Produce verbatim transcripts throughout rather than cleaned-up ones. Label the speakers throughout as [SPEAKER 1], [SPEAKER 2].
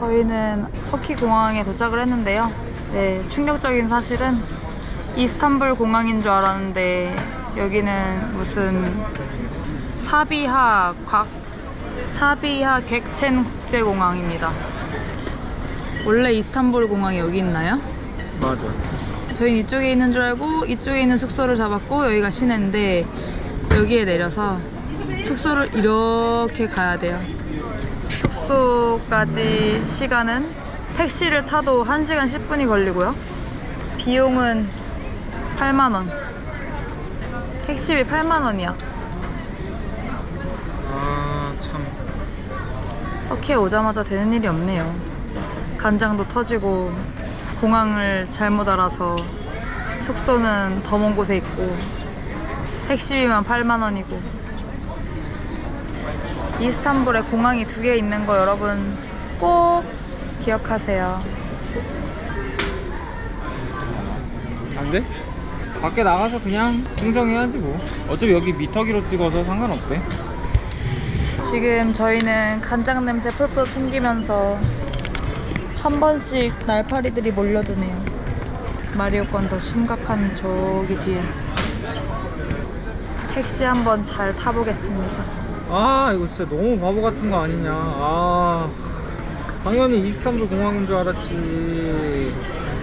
[SPEAKER 1] 저희는 터키 공항에 도착을 했는데요. 네, 충격적인 사실은 이스탄불 공항인 줄 알았는데 여기는 무슨 사비하 곽 사비하 객첸 국제공항입니다. 원래 이스탄불 공항이 여기 있나요?
[SPEAKER 2] 맞아.
[SPEAKER 1] 저희는 이쪽에 있는 줄 알고 이쪽에 있는 숙소를 잡았고 여기가 시내인데 여기에 내려서 숙소를 이렇게 가야 돼요. 숙소까지 시간은 택시를 타도 한 시간 십 분이 걸리고요. 비용은 팔만 원. 택시비 팔만 원이야.
[SPEAKER 2] 아, 참.
[SPEAKER 1] 터키에 오자마자 되는 일이 없네요. 간장도 터지고 공항을 잘못 알아서 숙소는 더 먼 곳에 있고 택시비만 팔만 원이고. 이스탄불에 공항이 두 개 있는 거 여러분 꼭 기억하세요.
[SPEAKER 2] 안 돼? 밖에 나가서 그냥 흥정해야지 뭐. 어차피 여기 미터기로 찍어서 상관없대.
[SPEAKER 1] 지금 저희는 간장 냄새 풀풀 풍기면서 한 번씩 날파리들이 몰려드네요. 마리오건 더 심각한 저기 뒤에. 택시 한번 잘 타보겠습니다.
[SPEAKER 2] 아, 이거 진짜 너무 바보 같은 거 아니냐. 아, 당연히 이스탄불 공항인 줄 알았지.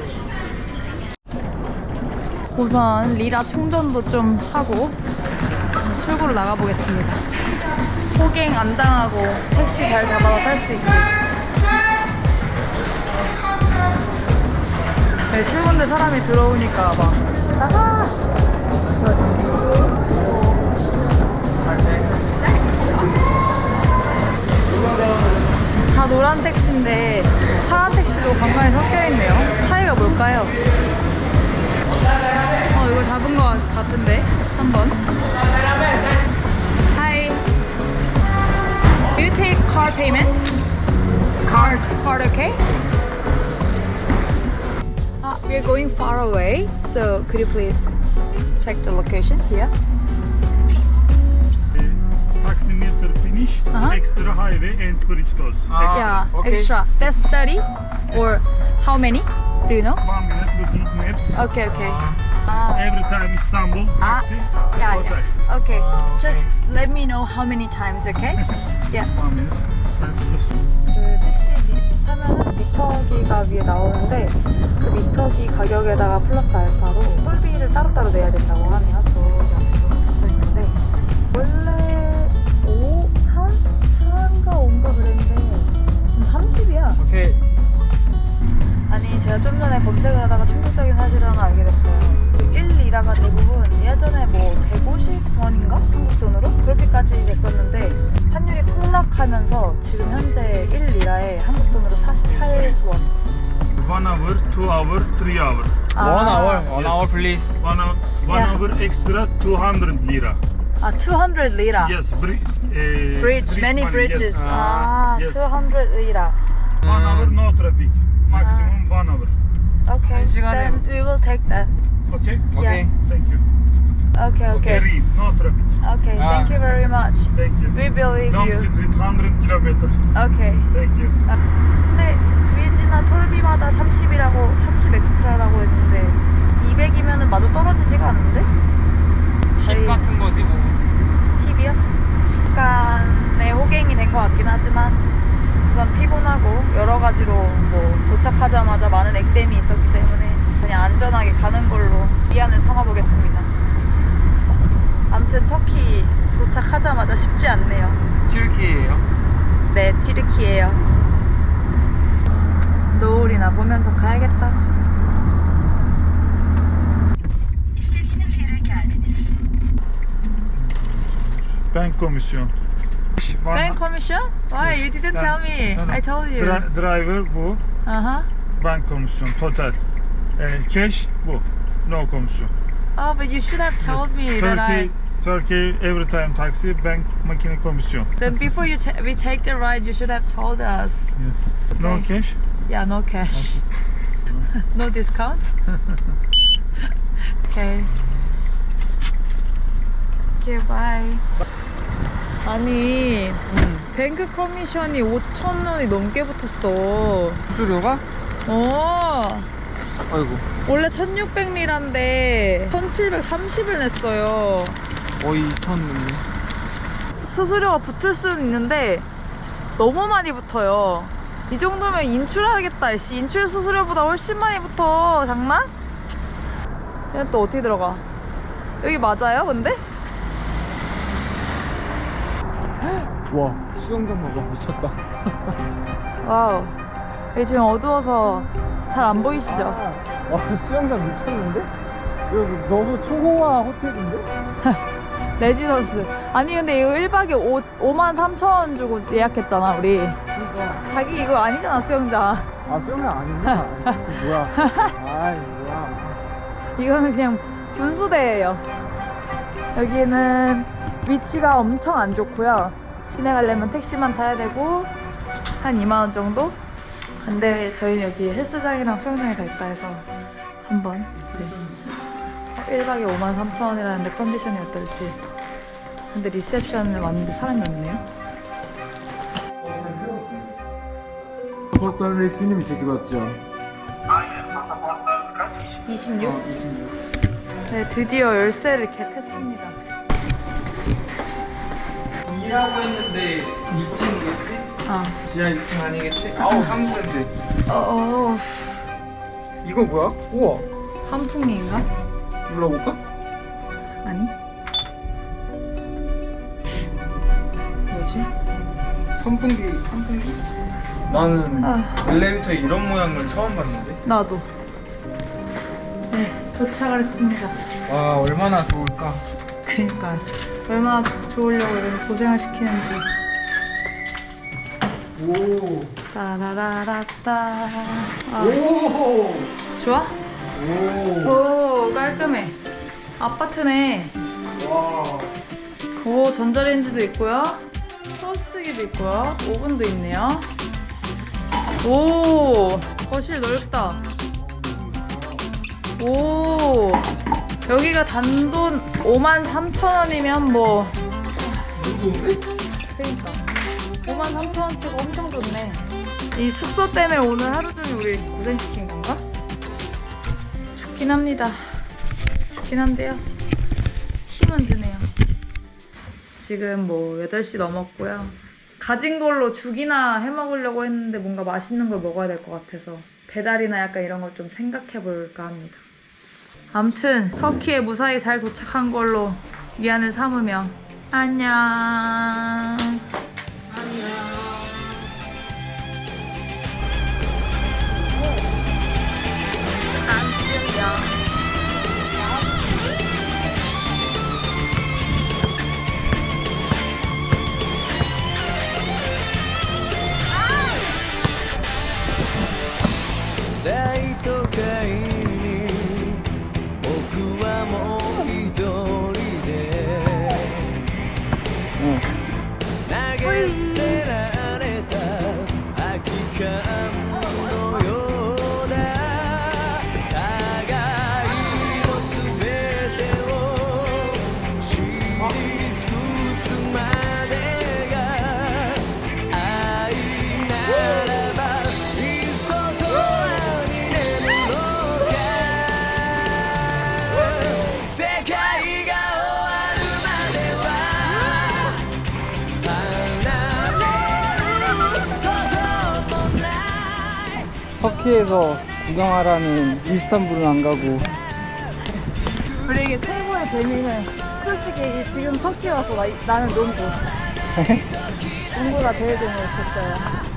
[SPEAKER 1] 우선 리라 충전도 좀 하고 출구로 나가보겠습니다. 호갱 안 당하고 택시 잘 잡아서 탈 수 있게. 네, 출근대 사람이 들어오니까 막 나가! 다 노란 택시인데 파란 택시도 간간히 섞여있네요. 차이가 뭘까요? 어, 이걸 잡은 것 같은데 한번. Hi. Do you take card payment? Card. Card, okay? Uh, we're going far away, so could you please check the location here?
[SPEAKER 3] Taximeter finish,
[SPEAKER 1] Uh-huh.
[SPEAKER 3] extra highway and bridge toss.
[SPEAKER 2] Ah.
[SPEAKER 3] Extra.
[SPEAKER 1] Yeah,
[SPEAKER 2] Okay.
[SPEAKER 1] extra. That's thirty or how many? Do you know?
[SPEAKER 3] One minute looking maps.
[SPEAKER 1] Okay, okay. Ah.
[SPEAKER 3] Every time Istanbul,
[SPEAKER 1] Ah,
[SPEAKER 3] taxi,
[SPEAKER 1] yeah,
[SPEAKER 3] hotel.
[SPEAKER 1] yeah. Okay, just let me know how many times, okay? Yeah.
[SPEAKER 3] One minute.
[SPEAKER 1] 그 택시 미, 타면은 미터기가 위에 나오는데 그 미터기 가격에다가 플러스 알파로 톨비를 따로따로 내야 된다고 하네요. 저기 써있는데 원래 오, 삼? 사인가 오인가 그랬는데 지금 삼십이야.
[SPEAKER 2] 오케이.
[SPEAKER 1] 아니 제가 좀 전에 검색을 하다가 충격적인 사실을 하나 알게 됐어요. 일 리라가 대부분 예전에 뭐 백오십 원인가? 한국 돈으로? 그렇게까지 됐었는데 환율이 폭락하면서 지금 현재 일 리라에 한국 돈으로 사십팔 원.
[SPEAKER 3] One hour, two hour, three hour.
[SPEAKER 2] One hour, one
[SPEAKER 3] Yes.
[SPEAKER 2] hour please.
[SPEAKER 3] One hour, one
[SPEAKER 1] Yeah.
[SPEAKER 3] hour extra, two hundred lira.
[SPEAKER 1] 아, 이백 리라.
[SPEAKER 3] Yes, bri- uh,
[SPEAKER 1] Bridge, many
[SPEAKER 3] money,
[SPEAKER 1] bridges.
[SPEAKER 3] Yes.
[SPEAKER 1] 아,
[SPEAKER 3] Yes.
[SPEAKER 1] 이백 리라.
[SPEAKER 3] One hour, no traffic. Maximum one hour.
[SPEAKER 1] Okay,
[SPEAKER 2] 한 시간에-
[SPEAKER 1] then we will take that.
[SPEAKER 3] Okay?
[SPEAKER 2] 오케이.
[SPEAKER 3] Thank you.
[SPEAKER 1] Okay,
[SPEAKER 3] Okay,
[SPEAKER 1] okay.
[SPEAKER 3] read. No traffic.
[SPEAKER 1] Okay,
[SPEAKER 2] Ah.
[SPEAKER 1] thank you very much.
[SPEAKER 3] Thank you.
[SPEAKER 1] We believe
[SPEAKER 3] Long
[SPEAKER 1] you.
[SPEAKER 3] street, one hundred kilometers.
[SPEAKER 1] Okay.
[SPEAKER 3] Thank you.
[SPEAKER 1] 근데 브리지나 톨비마다 삼십이라고 삼십 엑스트라라고 했는데 이백이면은 마저 떨어지지가 않는데?
[SPEAKER 2] 팁 같은 거지 뭐.
[SPEAKER 1] 팁이요? 약간의 호갱이 된 것 같긴 하지만 우선 피곤하고 여러 가지로 뭐 도착하자마자 많은 액땜이 있었기 때문에 그냥 안전하게 가는 걸로 위안을 삼아보겠습니다. 아무튼 터키 도착하자마자 쉽지 않네요.
[SPEAKER 2] 튀르키예요.
[SPEAKER 1] 네, 튀르키예요. 노을이나 보면서 가야겠다.
[SPEAKER 4] İstediğiniz yere geldiniz.
[SPEAKER 3] Bank komisyon. One-
[SPEAKER 1] Bank commission? Why? You didn't
[SPEAKER 3] Ben-
[SPEAKER 1] tell me.
[SPEAKER 3] No, no.
[SPEAKER 1] I told you.
[SPEAKER 3] Dri- driver bu.
[SPEAKER 1] Uh-huh.
[SPEAKER 3] Bank komisyon. Total. Eh, cash bu. No komisyon.
[SPEAKER 1] Oh, but you should have told me that I...
[SPEAKER 3] Turkey, Turkey every time taxi bank makine komisyon.
[SPEAKER 1] Then before you ta we take the ride, you should have told us.
[SPEAKER 3] Yes. No
[SPEAKER 1] Okay.
[SPEAKER 3] cash.
[SPEAKER 1] Yeah, no cash. No discount? Okay. Okay, bye. 아니, 뱅크 커미션이 오천 원이 넘게 붙었어.
[SPEAKER 2] 수수료가?
[SPEAKER 1] 어.
[SPEAKER 2] 아이고.
[SPEAKER 1] 원래 천육백 리라인데 천칠백삼십을 냈어요.
[SPEAKER 2] 거의 이천 원.
[SPEAKER 1] 수수료가 붙을 수는 있는데 너무 많이 붙어요. 이 정도면 인출하겠다. 씨, 인출 수수료보다 훨씬 많이 붙어. 장난? 얘는 또 어떻게 들어가? 여기 맞아요, 근데?
[SPEAKER 2] 와, 수영장 봐봐. 미쳤다.
[SPEAKER 1] 와우. 여기 지금 어두워서 잘 안 보이시죠?
[SPEAKER 2] 와, 수영장 미쳤는데? 여기 너무 초호화 호텔인데?
[SPEAKER 1] 레지던스. 아니 근데 이거 일 박에 오만 삼천 원 주고 예약했잖아 우리.
[SPEAKER 2] 그러니까.
[SPEAKER 1] 자기 이거 아니잖아 수영장.
[SPEAKER 2] 아, 수영장 아니냐? 아이씨, 뭐야. 아이, 뭐야.
[SPEAKER 1] 이거는 그냥 분수대예요. 여기는 위치가 엄청 안 좋고요. 시내 가려면 택시만 타야 되고 한 이만 원 정도? 근데 저희 여기 헬스장이랑 수영장이 다 있다 해서 한번 네. 일 박에 오만 삼천 원이라는데 컨디션이 어떨지. 근데 리셉션에 왔는데 사람이 없네요.
[SPEAKER 5] 파스포트 resmini mi çekiyorsun?
[SPEAKER 1] 이십육?
[SPEAKER 5] 어, 이십육.
[SPEAKER 1] 네, 드디어 열쇠를 겟했습니다.
[SPEAKER 2] 일하고 있는데 이 층이겠지?
[SPEAKER 1] 어.
[SPEAKER 2] 지하 이 층 아니겠지? 아우, 삼층인데.
[SPEAKER 1] 어, 어,
[SPEAKER 2] 이거 뭐야? 우와.
[SPEAKER 1] 환풍기인가?
[SPEAKER 2] 눌러볼까?
[SPEAKER 1] 아니. 뭐지?
[SPEAKER 2] 선풍기, 선풍기? 나는
[SPEAKER 1] 아.
[SPEAKER 2] 엘리베이터에 이런 모양을 처음 봤는데.
[SPEAKER 1] 나도. 네, 도착을 했습니다.
[SPEAKER 2] 와, 얼마나 좋을까?
[SPEAKER 1] 그니까 얼마나 좋으려고 이렇게 고생을 시키는지.
[SPEAKER 2] 오.
[SPEAKER 1] 따라라라따. 아,
[SPEAKER 2] 오.
[SPEAKER 1] 좋아?
[SPEAKER 2] 오.
[SPEAKER 1] 오, 깔끔해. 아파트네.
[SPEAKER 2] 와.
[SPEAKER 1] 오, 전자레인지도 있고요. 토스트기도 있고요. 오븐도 있네요. 오, 거실 넓다. 오, 여기가 단돈 오만 삼천 원이면 뭐.
[SPEAKER 2] 누구인데?
[SPEAKER 1] 그러니까 오만 삼천 원치고 엄청 좋네. 이 숙소 때문에 오늘 하루 종일 우리 고생시킨 건가? 좋긴 합니다. 좋긴 한데요. 힘은 드네요. 지금 뭐 여덟 시 넘었고요. 가진 걸로 죽이나 해 먹으려고 했는데 뭔가 맛있는 걸 먹어야 될 것 같아서 배달이나 약간 이런 걸 좀 생각해 볼까 합니다. 아무튼 터키에 무사히 잘 도착한 걸로 위안을 삼으며 안녕.
[SPEAKER 2] 터키에서 구경하라는 이스탄불은 안 가고.
[SPEAKER 1] 우리 이게 최고의 재미는 솔직히 지금 터키 와서 나, 나는 농구. 농구가 제일 재미있었어요.